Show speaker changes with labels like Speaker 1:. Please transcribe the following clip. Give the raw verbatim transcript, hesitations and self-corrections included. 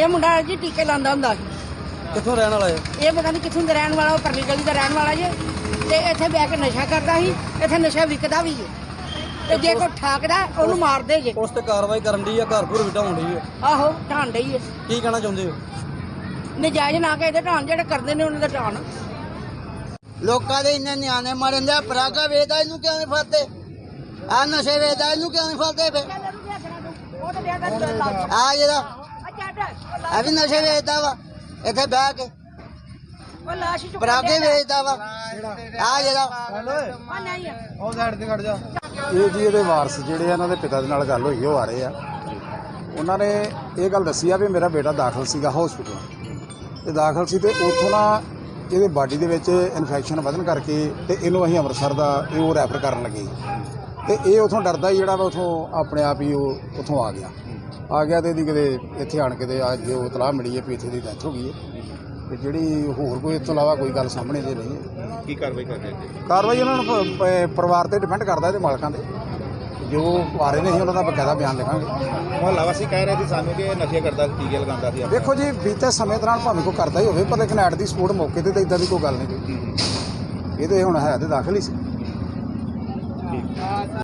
Speaker 1: ਇਹ ਮੁੰਡਾ ਜੀ ਟੀਕੇ ਲਾਉਂਦਾ ਹੁੰਦਾ ਸੀ।
Speaker 2: ਕਿੱਥੋਂ ਰਹਿਣ ਵਾਲਾ ਹੈ
Speaker 1: ਇਹ ਪਤਾ ਨਹੀਂ ਕਿੱਥੋਂ ਦਾ ਰਹਿਣ ਵਾਲਾ, ਉਹ ਪਰਲੀ ਗਲੀ ਦਾ ਰਹਿਣ ਵਾਲਾ ਜੇ। ਤੇ ਇੱਥੇ ਬਹਿ ਕੇ ਨਸ਼ਾ ਕਰਦਾ ਸੀ, ਇੱਥੇ ਨਸ਼ਾ ਵਿਕਦਾ ਵੀ ਹੈ। ਤੇ ਜੇ ਕੋਈ ਠਾਕਦਾ ਉਹਨੂੰ ਮਾਰਦੇ ਜੇ।
Speaker 2: ਉਸ ਤੇ ਕਾਰਵਾਈ ਕਰਨ ਦੀ ਆ, ਘਰ ਘਰ ਵਿਟਾਉਣ ਦੀ ਹੈ।
Speaker 1: ਆਹੋ ਢਾਣ ਡਈ ਹੈ।
Speaker 2: ਕੀ ਕਹਿਣਾ ਚਾਹੁੰਦੇ ਹੋ?
Speaker 1: ਨਜਾਇਜ਼ ਨਾ ਕੇ ਇਹਦੇ ਢਾਣ, ਜਿਹੜੇ ਕਰਦੇ ਨੇ ਉਹਨਾਂ ਦਾ ਢਾਣ।
Speaker 3: ਲੋਕਾਂ ਦੇ ਇੰਨੇ ਨਿਆਣੇ ਮਰਨ ਦੇ, ਪਰਾਗਾ ਵੇਚਦਾ ਇਹਨੂੰ ਕਿਉਂ ਨਹੀਂ ਫੜਦੇ? ਆ ਨਸ਼ੇ ਵੇਚਦਾ ਇਹਨੂੰ ਕਿਉਂ ਨਹੀਂ ਫੜਦੇ? ਫੇ ਆ ਜਿਹੜਾ ਆ ਵੀ ਨਸ਼ੇ ਵੇਚਦਾ ਵਾ ਇੱਥੇ ਬਹਿ ਕੇ, ਪਰਾਗੇ ਵੇਚਦਾ ਵਾ ਆ ਜਿਹੜਾ।
Speaker 2: ਉਹ ਸਾਈਡ ਤੇ ਖੜ ਜਾ।
Speaker 4: ਇਹ ਜੀ ਇਹਦੇ ਵਾਰਸ ਜਿਹੜੇ ਆ, ਇਹਨਾਂ ਦੇ ਪਿਤਾ ਦੇ ਨਾਲ ਗੱਲ ਹੋਈ, ਉਹ ਆ ਰਹੇ ਆ। ਉਹਨਾਂ ਨੇ ਇਹ ਗੱਲ ਦੱਸੀ ਆ ਵੀ ਮੇਰਾ ਬੇਟਾ ਦਾਖਲ ਸੀਗਾ ਹਸਪੀਟਲ, ਤੇ ਦਾਖਲ ਸੀ ਤੇ ਉੱਥੋਂ ਨਾ ਇਹਦੇ ਬਾਡੀ ਦੇ ਵਿੱਚ ਇਨਫੈਕਸ਼ਨ ਵਧਣ ਕਰਕੇ ਤੇ ਇਹਨੂੰ ਅਸੀਂ ਅੰਮ੍ਰਿਤਸਰ ਦਾ ਇਹ ਉਹ ਰੈਫਰ ਕਰਨ ਲੱਗੇ। ਤੇ ਇਹ ਉਥੋਂ ਡਰਦਾ ਹੀ ਜਿਹੜਾ ਵਾ ਉਥੋਂ ਆਪਣੇ ਆਪ ਹੀ ਉਹ ਉਥੋਂ ਆ ਗਿਆ ਆ ਗਿਆ ਤੇ ਇਹਦੀ ਕਿਤੇ ਇੱਥੇ ਆਣ ਕੇ ਤੇ ਅੱਜ ਉਹ ਇਤਲਾਹ ਮਿਲੀ ਹੈ ਵੀ ਇੱਥੇ ਦੀ ਡੈਥ ਹੋ ਗਈ ਹੈ। ਤੇ ਜਿਹੜੀ ਹੋਰ ਕੋਈ ਇਸ ਤੋਂ ਇਲਾਵਾ ਕੋਈ ਗੱਲ ਸਾਹਮਣੇ ਦੇ ਨਹੀਂ ਹੈ।
Speaker 5: ਕੀ ਕਾਰਵਾਈ ਕਰਦੇ ਨੇ?
Speaker 4: ਕਾਰਵਾਈ ਉਹਨਾਂ ਨੂੰ ਪ- ਪ- ਪਰਿਵਾਰ ਤੇ ਡਿਪੈਂਡ ਕਰਦਾ, ਇਹਦੇ ਮਾਲਕਾਂ ਦੇ ਜੋ ਆ ਰਹੇ ਨੇ ਅਸੀਂ ਉਹਨਾਂ ਦਾ ਬਕਾਇਦਾ ਬਿਆਨ ਲਿਖਾਂਗੇ।
Speaker 5: ਮੁਹੱਲਾ ਵਾਸੀ ਕਹਿ ਰਹੇ ਸੀ ਸਾਨੂੰ ਕਿ ਇਹ ਨਸ਼ੇ ਕਰਦਾ, ਟੀਕੇ ਲਗਾਉਂਦਾ ਸੀ।
Speaker 4: ਦੇਖੋ ਜੀ, ਬੀਤੇ ਸਮੇਂ ਦੌਰਾਨ ਭਾਵੇਂ ਕੋਈ ਕਰਦਾ ਹੀ ਹੋਵੇ, ਪਰ ਲੇਕਿਨ ਐਟ ਦੀ ਸਪੋਰਟ ਮੌਕੇ ਤੇ ਤਾਂ ਇਦਾਂ ਦੀ ਕੋਈ ਗੱਲ ਨਹੀਂ ਕੋਈ। ਇਹ ਤੇ ਹੁਣ ਹੈ ਤੇ ਦਾਖਲ ਹੀ ਸੀ।